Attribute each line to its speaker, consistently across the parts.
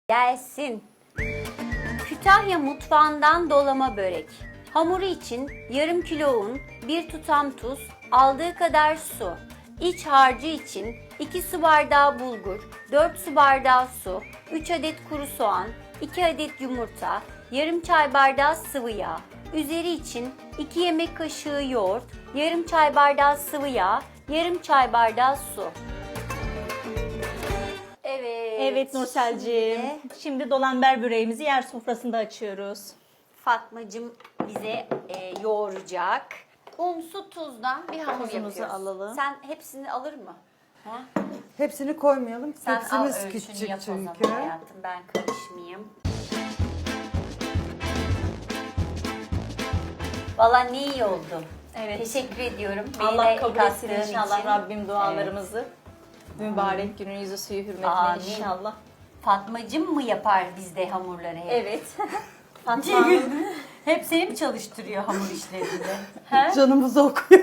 Speaker 1: Gelsin. Kütahya mutfağından dolama börek. Hamuru için yarım kilo un, 1 tutam tuz, aldığı kadar su. İç harcı için 2 su bardağı bulgur, 4 su bardağı su, 3 adet kuru soğan, 2 adet yumurta, yarım çay bardağı sıvı yağ. Üzeri için 2 yemek kaşığı yoğurt, yarım çay bardağı sıvı yağ, yarım çay bardağı su.
Speaker 2: Evet Nurselciğim. Şimdi dolamber böreğimizi yer sofrasında açıyoruz.
Speaker 1: Fatmacığım bize yoğuracak. Un, su, tuzdan bir hamur
Speaker 2: Tuzumuzu
Speaker 1: yapıyoruz.
Speaker 2: alalım.
Speaker 1: Sen hepsini alır mı? Ha?
Speaker 3: Hepsini koymayalım.
Speaker 1: Sen al
Speaker 3: Tepsimiz
Speaker 1: ölçünü
Speaker 3: küçük
Speaker 1: yap o zaman
Speaker 3: çünkü.
Speaker 1: hayatım. Ben karışmayayım. Valla ne iyi oldu.
Speaker 2: Evet.
Speaker 1: Teşekkür ediyorum. Beni
Speaker 2: Allah
Speaker 1: de
Speaker 2: kabul etsin
Speaker 1: kattığın
Speaker 2: inşallah
Speaker 1: için.
Speaker 2: Rabbim dualarımızı. Mübarek günün yüzü suyu hürmetine
Speaker 1: Amin.
Speaker 2: inşallah.
Speaker 1: Fatmacığım mı yapar bizde hamurları hep?
Speaker 2: Evet. Fatma Hanım.
Speaker 1: Hep seni mi çalıştırıyor hamur işlerinde? He?
Speaker 3: Canımızı okuyor.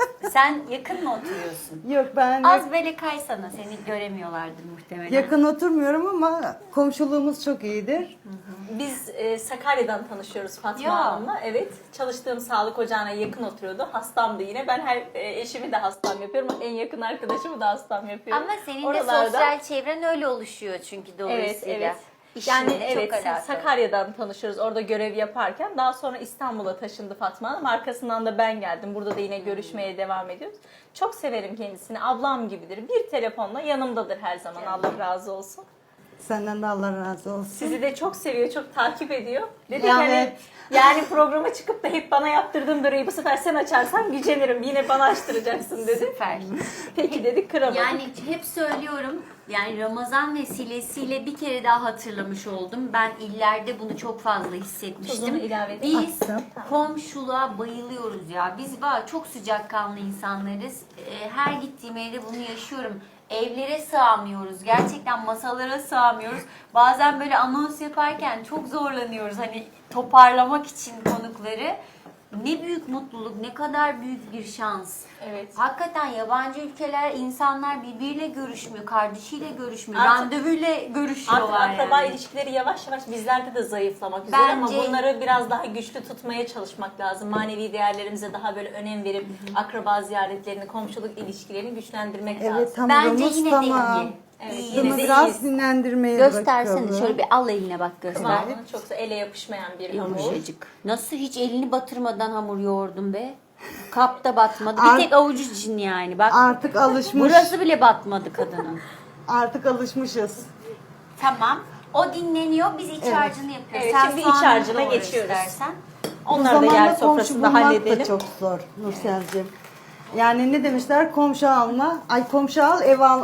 Speaker 1: Sen yakın mı oturuyorsun?
Speaker 3: Yok ben
Speaker 1: Az böyle kaysana, seni göremiyorlardır muhtemelen.
Speaker 3: yakın oturmuyorum ama komşuluğumuz çok iyidir.
Speaker 2: Biz Sakarya'dan tanışıyoruz Fatma
Speaker 1: Ya.
Speaker 2: Hanım'la. Evet. Çalıştığım sağlık ocağına yakın oturuyordu. Hastamdı yine. Ben her eşimi de hastam yapıyorum. En yakın arkadaşımı da hastam yapıyorum.
Speaker 1: Ama senin de
Speaker 2: Oralarda-
Speaker 1: sosyal çevren öyle oluşuyor çünkü
Speaker 2: Evet,
Speaker 1: dolayısıyla.
Speaker 2: evet.
Speaker 1: İşinle
Speaker 2: Yani
Speaker 1: çok
Speaker 2: evet
Speaker 1: alakalı.
Speaker 2: Sakarya'dan tanışıyoruz orada görev yaparken. Daha sonra İstanbul'a taşındı Fatma Hanım. Arkasından da ben geldim. Burada da yine görüşmeye devam ediyoruz. Çok severim kendisini. Ablam gibidir. Bir telefonla yanımdadır her zaman. Allah razı olsun.
Speaker 3: Senden de Allah razı olsun.
Speaker 2: Sizi de çok seviyor, çok takip ediyor. Dedi
Speaker 3: Yani-
Speaker 2: hani yani programa çıkıp da hep bana yaptırdığın böreği bu sefer sen açarsan gücenirim. Yine bana açtıracaksın dedi.
Speaker 1: Süper.
Speaker 2: Peki dedik kıramadık.
Speaker 1: Yani hep söylüyorum, yani Ramazan vesilesiyle bir kere daha hatırlamış oldum. Ben illerde bunu çok fazla hissetmiştim.
Speaker 2: Tuzunu ilave edeyim.
Speaker 1: Biz
Speaker 3: Attım.
Speaker 1: komşuluğa bayılıyoruz ya. Biz var çok sıcakkanlı insanlarız. Her gittiğim evde bunu yaşıyorum. Evlere sığamıyoruz. Gerçekten masalara sığamıyoruz. Bazen böyle anons yaparken çok zorlanıyoruz. Hani toparlamak için konukları. Ne büyük mutluluk, ne kadar büyük bir şans.
Speaker 2: Evet.
Speaker 1: Hakikaten yabancı ülkeler insanlar birbiriyle görüşmüyor, kardeşiyle görüşmüyor,
Speaker 2: Artık-
Speaker 1: randevuyla
Speaker 2: Artık
Speaker 1: görüşüyorlar
Speaker 2: akraba
Speaker 1: yani.
Speaker 2: ilişkileri yavaş yavaş bizlerde de zayıflamak üzere ama
Speaker 1: Bence-
Speaker 2: bunları biraz daha güçlü tutmaya çalışmak lazım. Manevi değerlerimize daha böyle önem verip akraba ziyaretlerini, komşuluk ilişkilerini güçlendirmek
Speaker 3: Evet
Speaker 2: lazım.
Speaker 1: Bence
Speaker 3: hamurumuz
Speaker 1: yine
Speaker 3: tamam.
Speaker 1: de iyi.
Speaker 2: Evet,
Speaker 1: İyi.
Speaker 2: yine
Speaker 3: Bunu
Speaker 2: de
Speaker 3: biraz
Speaker 2: iyiyiz.
Speaker 3: dinlendirmeye
Speaker 1: Göstersene
Speaker 3: bakalım.
Speaker 1: şöyle bir al eline bak göster.
Speaker 2: Kıvamı çok da ele yapışmayan bir hamur.
Speaker 1: Yumuşacık. Nasıl hiç elini batırmadan hamur yoğurdun be? Kapta batmadı.
Speaker 3: Art-
Speaker 1: Bir tek avucu için yani. Bak
Speaker 3: Artık alışmış.
Speaker 1: burası bile batmadı kadının.
Speaker 3: Artık alışmışız.
Speaker 1: Tamam. O dinleniyor. Biz iç harcını yapıyoruz.
Speaker 2: Evet,
Speaker 1: Sen
Speaker 2: şimdi iç
Speaker 1: soğanları
Speaker 2: harcına
Speaker 1: doğra
Speaker 2: geçiyoruz.
Speaker 1: istersen.
Speaker 3: Bu
Speaker 2: Onları da yer
Speaker 3: zamanda komşu
Speaker 2: sofrasında
Speaker 3: bulmak
Speaker 2: halledelim.
Speaker 3: da çok zor Nursel'cim. Yani ne demişler? Komşu alma. Ay komşu al,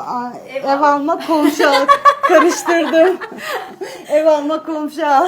Speaker 3: ev alma, komşu al. Karıştırdım. Ev alma, komşu al.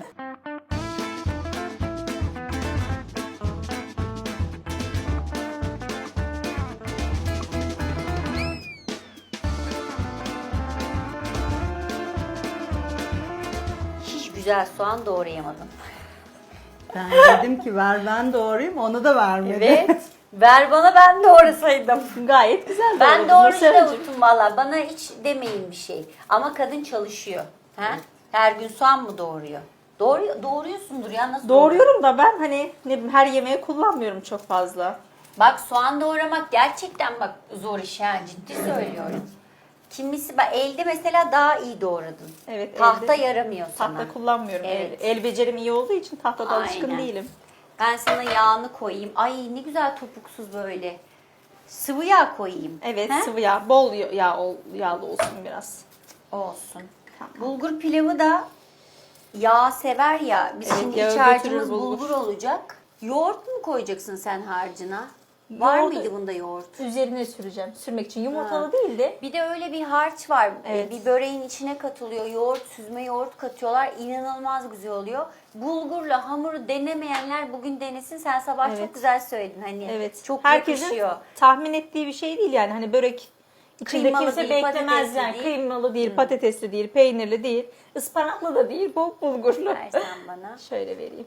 Speaker 1: Hiç güzel soğan doğrayamadım.
Speaker 3: Ben dedim ki ver ben doğrayayım, onu da vermedi.
Speaker 1: Evet. Ver bana ben doğrasaydım.
Speaker 2: Gayet güzel.
Speaker 1: Ben
Speaker 2: doğradın
Speaker 1: doğruyu da
Speaker 2: Nurselciğim.
Speaker 1: unuttum valla. Bana hiç demeyin bir şey. Ama kadın çalışıyor. Ha? Her gün soğan mı doğuruyor? Doğruyorsundur ya, nasıl
Speaker 2: Doğruyorum da ben hani ne bileyim, her yemeğe kullanmıyorum çok fazla.
Speaker 1: Bak soğan doğramak gerçekten bak zor iş ha, ciddi söylüyorum. Kimisi bak elde mesela daha iyi doğradın.
Speaker 2: Evet,
Speaker 1: Tahta
Speaker 2: elde-
Speaker 1: yaramıyor sana.
Speaker 2: Tahta kullanmıyorum.
Speaker 1: Evet.
Speaker 2: El becerim iyi olduğu için tahtada alışkın
Speaker 1: Aynen.
Speaker 2: değilim.
Speaker 1: Ben sana yağını koyayım. Ay ne güzel topuksuz böyle. Sıvı yağ koyayım.
Speaker 2: Evet,
Speaker 1: He?
Speaker 2: sıvı yağ, bol yağlı olsun biraz.
Speaker 1: Olsun. Bulgur pilavı da yağ sever ya. Biz
Speaker 2: Evet,
Speaker 1: şimdi
Speaker 2: yağı
Speaker 1: iç harcımız
Speaker 2: götürür bulgur.
Speaker 1: bulgur olacak. Yoğurt mu koyacaksın sen harcına? Var
Speaker 2: Yoğurdu-
Speaker 1: mıydı bunda yoğurt?
Speaker 2: Üzerine süreceğim. Sürmek için yumurtalı değil de
Speaker 1: Bir de öyle bir harç var.
Speaker 2: Evet.
Speaker 1: Bir böreğin içine katılıyor. Yoğurt, süzme yoğurt katıyorlar. İnanılmaz güzel oluyor. Bulgurla hamuru denemeyenler bugün denesin. Sen sabah
Speaker 2: Evet.
Speaker 1: çok güzel söyledin. Hani
Speaker 2: evet.
Speaker 1: çok
Speaker 2: Herkesin
Speaker 1: yakışıyor.
Speaker 2: tahmin ettiği bir şey değil yani. Hani börek içinde
Speaker 1: Kıymalı
Speaker 2: kimse
Speaker 1: değil,
Speaker 2: beklemez
Speaker 1: patatesli
Speaker 2: yani.
Speaker 1: değil.
Speaker 2: Kıymalı değil, patatesli değil, peynirli değil, ıspanaklı da değil, bu bulgurlu.
Speaker 1: Versen bana.
Speaker 2: Şöyle vereyim.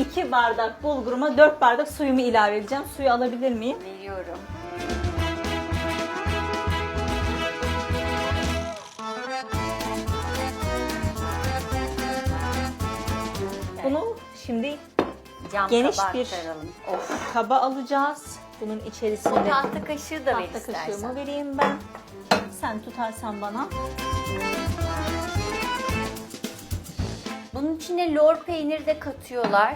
Speaker 2: 2 bardak bulguruma 4 bardak suyumu ilave edeceğim. Suyu alabilir miyim?
Speaker 1: Veriyorum.
Speaker 2: Bunu şimdi
Speaker 1: Cam
Speaker 2: geniş
Speaker 1: tabağa
Speaker 2: bir
Speaker 1: aktaralım.
Speaker 2: kaba alacağız. Bunun
Speaker 1: O
Speaker 2: içerisinde
Speaker 1: tahta kaşığı da ver
Speaker 2: tahta
Speaker 1: istersen.
Speaker 2: kaşığımı vereyim ben. Sen tutarsan bana.
Speaker 1: Bunun içine lor peyniri de katıyorlar.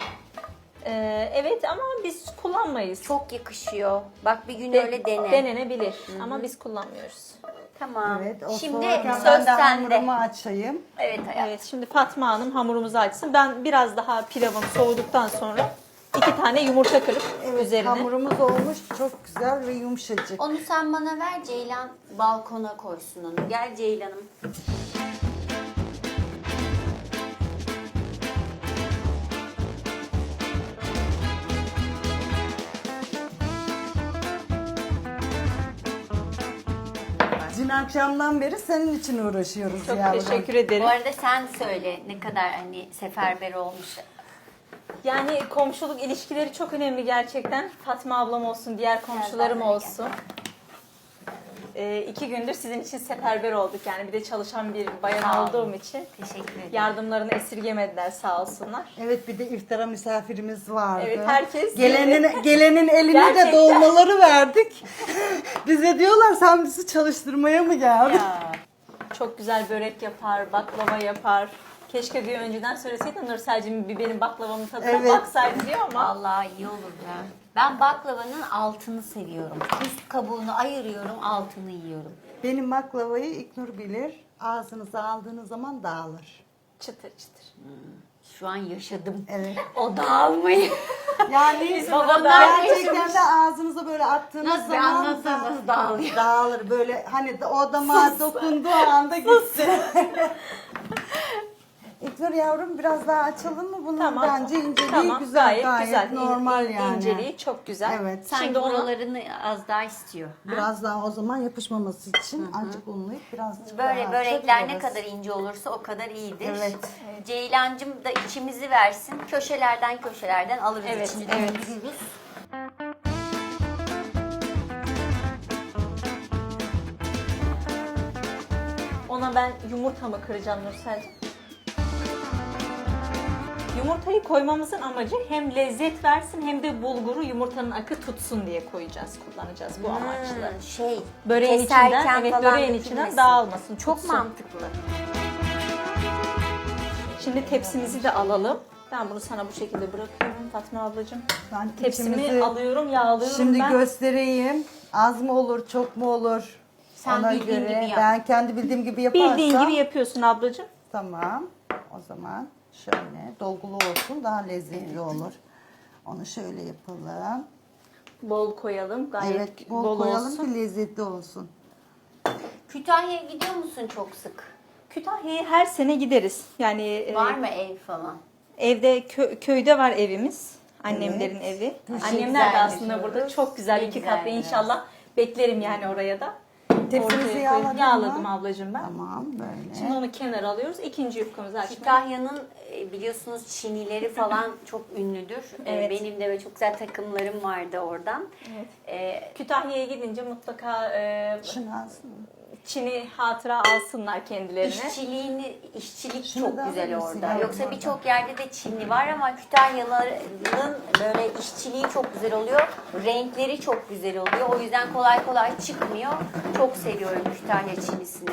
Speaker 2: Evet ama biz kullanmayız.
Speaker 1: Çok yakışıyor. Bak bir gün
Speaker 2: De-
Speaker 1: öyle dene.
Speaker 2: Denenebilir ama biz kullanmıyoruz.
Speaker 1: Tamam.
Speaker 3: Evet, o
Speaker 1: Şimdi
Speaker 3: soğurken
Speaker 1: söz
Speaker 3: ben de
Speaker 1: sende.
Speaker 3: hamurumu açayım.
Speaker 1: Evet hayatım.
Speaker 2: Evet, şimdi Fatma Hanım hamurumuzu açsın. Ben biraz daha pilavım soğuduktan sonra 2 tane yumurta kırıp
Speaker 3: Evet,
Speaker 2: üzerine.
Speaker 3: hamurumuz olmuş. Çok güzel ve yumuşacık.
Speaker 1: Onu sen bana ver, Ceylan balkona koysun onu. Gel Ceylan'ım.
Speaker 3: Dün akşamdan beri senin için uğraşıyoruz
Speaker 2: Çok
Speaker 3: yavrum.
Speaker 2: teşekkür ederim.
Speaker 1: Bu arada sen söyle ne kadar hani seferber olmuş.
Speaker 2: Yani komşuluk ilişkileri çok önemli gerçekten. Fatma ablam olsun, diğer komşularım
Speaker 1: bana gel.
Speaker 2: olsun. 2 gündür sizin için seferber olduk. Yani bir de çalışan bir bayan
Speaker 1: Sağ olun.
Speaker 2: olduğum için
Speaker 1: Teşekkür ederim.
Speaker 2: yardımlarını esirgemediler sağ olsunlar.
Speaker 3: Evet, bir de iftara misafirimiz vardı.
Speaker 2: Evet, herkes
Speaker 3: Gelenin eline de
Speaker 2: Gerçekten.
Speaker 3: dolmaları verdik. Bize diyorlar sen bizi çalıştırmaya mı geldin?
Speaker 1: Ya,
Speaker 2: Çok güzel börek yapar, baklava yapar. Keşke bir önceden söyleseydin Nursel'cim bir benim baklavamın tadına
Speaker 3: Evet.
Speaker 2: baksaydı diyor ama.
Speaker 1: vallahi iyi olur ya. Ben baklavanın altını seviyorum. Üst kabuğunu ayırıyorum, altını yiyorum.
Speaker 3: Benim baklavayı İknur bilir. Ağzınıza aldığınız zaman dağılır.
Speaker 2: Çıtır çıtır.
Speaker 1: Şu an yaşadım.
Speaker 3: Evet.
Speaker 1: O dağılmayı.
Speaker 3: Yani
Speaker 1: babalar
Speaker 3: gerçekten
Speaker 1: yaşamış.
Speaker 3: de ağzınıza böyle attığınız
Speaker 1: Nasıl bir
Speaker 3: zaman
Speaker 1: anlatsanız nasıl dağılıyor?
Speaker 3: dağılır. Böyle hani o damağa dokunduğu anda gitti. İknur yavrum biraz daha açalım mı bunu?
Speaker 2: Tamam.
Speaker 3: Bence inceliği
Speaker 2: Tamam,
Speaker 3: güzel, gayet
Speaker 2: güzel.
Speaker 3: normal yani.
Speaker 2: İnceliği çok güzel.
Speaker 3: Evet.
Speaker 1: Sanki
Speaker 2: Şimdi onu
Speaker 1: oralarını az daha istiyor.
Speaker 3: Biraz daha o zaman yapışmaması için azıcık unlayıp birazcık
Speaker 1: Böyle
Speaker 3: daha
Speaker 1: börekler ne
Speaker 3: açabiliriz.
Speaker 1: kadar ince olursa o kadar iyidir.
Speaker 3: Evet.
Speaker 1: Ceylancım da içimizi versin. Köşelerden alırız
Speaker 2: Evet,
Speaker 1: içini.
Speaker 2: evet.
Speaker 1: döndürürüz.
Speaker 2: ona ben yumurtamı kıracağım Nursel'cim. Yumurtayı koymamızın amacı hem lezzet versin hem de bulguru yumurtanın akı tutsun diye koyacağız, kullanacağız bu amaçla.
Speaker 1: Şey,
Speaker 2: Böreğin
Speaker 1: keserken
Speaker 2: içinden, evet
Speaker 1: falan
Speaker 2: böreğin içinden
Speaker 1: dökülmesin.
Speaker 2: dağılmasın,
Speaker 1: Çok
Speaker 2: tutsun.
Speaker 1: mantıklı.
Speaker 2: Şimdi tepsimizi de alalım. Ben bunu sana bu şekilde bırakıyorum Fatma ablacığım.
Speaker 3: Ben
Speaker 2: Tepsimi
Speaker 3: içimizi
Speaker 2: alıyorum, yağlıyorum
Speaker 3: şimdi
Speaker 2: ben.
Speaker 3: göstereyim. Az mı olur, çok mu olur?
Speaker 1: Sen
Speaker 3: Ona
Speaker 1: bildiğin
Speaker 3: göre
Speaker 1: gibi yap.
Speaker 3: ben kendi bildiğim gibi yaparsam.
Speaker 2: Bildiğin gibi yapıyorsun ablacığım.
Speaker 3: Tamam. O zaman şöyle dolgulu olsun, daha lezzetli olur. Onu şöyle yapalım.
Speaker 2: Bol koyalım, gayet
Speaker 3: Evet, bol koyalım
Speaker 2: olsun.
Speaker 3: ki lezzetli olsun.
Speaker 1: Kütahya'ya gidiyor musun çok sık?
Speaker 2: Kütahya'ya her sene gideriz. Yani
Speaker 1: Var mı ev falan?
Speaker 2: evde köyde var evimiz. Annemlerin evi. Annemler de
Speaker 1: güzel
Speaker 2: aslında
Speaker 1: yaşıyoruz.
Speaker 2: burada çok güzel
Speaker 1: Ne
Speaker 2: 2
Speaker 1: güzel
Speaker 2: katlı
Speaker 1: biraz.
Speaker 2: inşallah. Beklerim yani oraya da.
Speaker 3: Tepsimizi
Speaker 2: Ortaya koyup
Speaker 3: yağladın mı?
Speaker 2: yağladım ablacığım ben.
Speaker 3: Tamam böyle.
Speaker 2: Şimdi onu kenara alıyoruz. İkinci yufkamızı açmaya.
Speaker 1: Kütahya'nın biliyorsunuz çinileri falan çok ünlüdür.
Speaker 2: Evet.
Speaker 1: Benim de böyle çok güzel takımlarım vardı oradan.
Speaker 2: Kütahya'ya gidince mutlaka
Speaker 3: Şunu alsın mı?
Speaker 2: Çin'i hatıra alsınlar kendilerine.
Speaker 1: İşçilik
Speaker 3: Şunu
Speaker 1: çok
Speaker 3: da
Speaker 1: güzel
Speaker 3: alır mısın
Speaker 1: orada.
Speaker 3: yavrum
Speaker 1: Yoksa
Speaker 3: oradan?
Speaker 1: birçok yerde de Çinli var ama Kütahyalıların böyle işçiliği çok güzel oluyor. Renkleri çok güzel oluyor. O yüzden kolay kolay çıkmıyor. Çok seviyorum Kütahya Çinisini.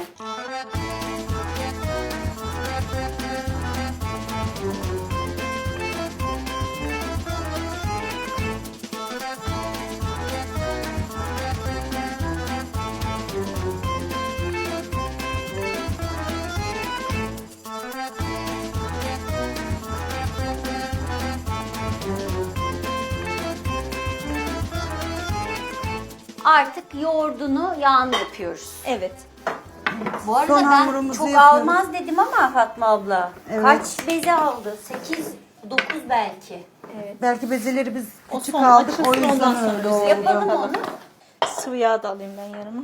Speaker 1: Artık yoğurdunu yağını yapıyoruz.
Speaker 2: Evet.
Speaker 1: Bu arada
Speaker 3: Son
Speaker 1: ben
Speaker 3: hamurumuzu
Speaker 1: çok
Speaker 3: yapıyoruz.
Speaker 1: almaz dedim ama Fatma abla.
Speaker 3: Evet.
Speaker 1: Kaç beze aldı? 8, 9 belki.
Speaker 3: Belki bezeleri biz
Speaker 2: O
Speaker 3: küçük
Speaker 2: son
Speaker 3: aldık,
Speaker 2: açılsın,
Speaker 3: o yüzden
Speaker 2: ondan sonra
Speaker 3: öyle
Speaker 2: biz
Speaker 3: oldu.
Speaker 1: Yapalım onu.
Speaker 2: Sıvı yağ da alayım ben yanıma.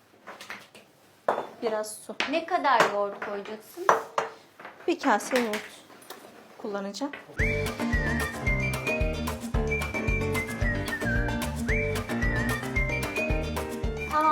Speaker 2: Biraz su.
Speaker 1: Ne kadar yoğurt koyacaksın?
Speaker 2: Bir kase yoğurt kullanacağım.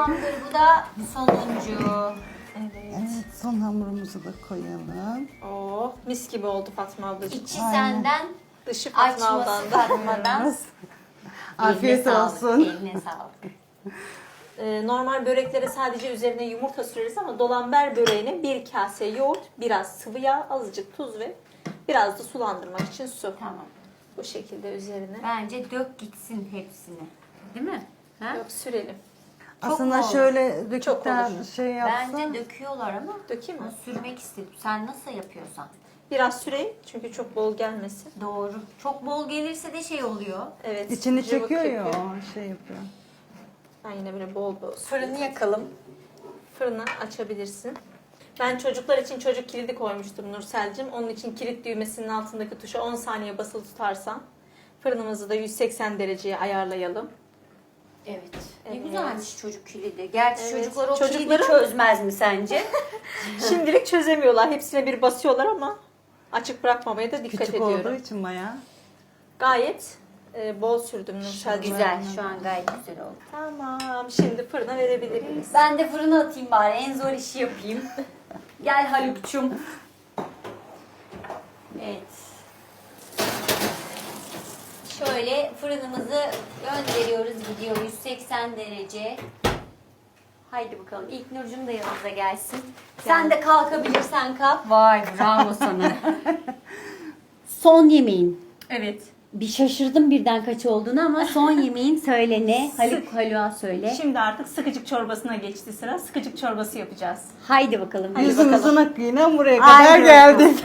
Speaker 1: Tamamdır, bu da sonuncu.
Speaker 3: Evet, son hamurumuzu da koyalım.
Speaker 2: Oh, mis gibi oldu Fatma ablacığım.
Speaker 1: İçi
Speaker 3: Aynen.
Speaker 1: senden,
Speaker 2: Dışı Fatma
Speaker 1: açması
Speaker 2: abladan.
Speaker 1: Fatma'dan.
Speaker 3: Afiyet
Speaker 1: Eline
Speaker 3: olsun.
Speaker 1: Sağlık, eline sağlık.
Speaker 2: Normal böreklere sadece üzerine yumurta süreriz ama dolamber böreğine bir kase yoğurt, biraz sıvı yağ, azıcık tuz ve biraz da sulandırmak için su.
Speaker 1: Tamam.
Speaker 2: Bu şekilde üzerine.
Speaker 1: Bence dök gitsin hepsini. Değil mi? Ha?
Speaker 2: Yok, sürelim.
Speaker 3: Aslında
Speaker 1: mu olur?
Speaker 3: şöyle döküp
Speaker 2: Çok
Speaker 3: de
Speaker 2: olur.
Speaker 3: şey yapsa.
Speaker 1: Bence döküyorlar ama
Speaker 2: Dökeyim mi?
Speaker 1: sürmek istedim. Sen nasıl yapıyorsan.
Speaker 2: Biraz süreyim çünkü çok bol gelmesin.
Speaker 1: Doğru. Çok bol gelirse de şey oluyor.
Speaker 2: Evet.
Speaker 3: İçini
Speaker 2: cıvık
Speaker 3: çekiyor ya,
Speaker 2: yapıyor.
Speaker 3: o şey yapıyor.
Speaker 2: Ben yine böyle bol bol
Speaker 1: Fırını yakalım.
Speaker 2: Fırını açabilirsin. Ben çocuklar için çocuk kilidi koymuştum Nursel'cim. Onun için kilit düğmesinin altındaki tuşa 10 saniye basılı tutarsan fırınımızı da 180 dereceye ayarlayalım.
Speaker 1: Evet. Ne
Speaker 2: Evet.
Speaker 1: güzelmiş çocuk kilidi. Gerçi
Speaker 2: Evet.
Speaker 1: çocuklar o kilidi
Speaker 2: Çocukların-
Speaker 1: çözmez mi sence?
Speaker 2: Şimdilik çözemiyorlar. Hepsine bir basıyorlar ama açık bırakmamaya da dikkat
Speaker 3: Küçük
Speaker 2: ediyorum.
Speaker 3: olduğu için bayağı.
Speaker 2: Gayet bol sürdüm Nursel'cim.
Speaker 1: Güzel. Şu an gayet güzel oldu.
Speaker 2: Tamam. Şimdi fırına verebiliriz.
Speaker 1: Ben de fırına atayım bari. En zor işi yapayım. Gel Haluk'cum. Evet. Şöyle fırınımızı gönderiyoruz, gidiyor 180 derece. Haydi bakalım. İlk Nurcum da yanımıza gelsin. Sen de kalkabilirsen kalk. Vay bravo sana. Son yemeğin.
Speaker 2: Evet.
Speaker 1: Bir şaşırdım birden kaç olduğunu ama son yemeğin söyle ne? Haluk'a söyle.
Speaker 2: Şimdi artık sıkıcık çorbasına geçti sıra. Sıkıcık çorbası yapacağız.
Speaker 1: Haydi bakalım.
Speaker 3: Yüzümüzün akıyla buraya
Speaker 1: Haydi
Speaker 3: kadar
Speaker 1: bakalım.
Speaker 3: geldik.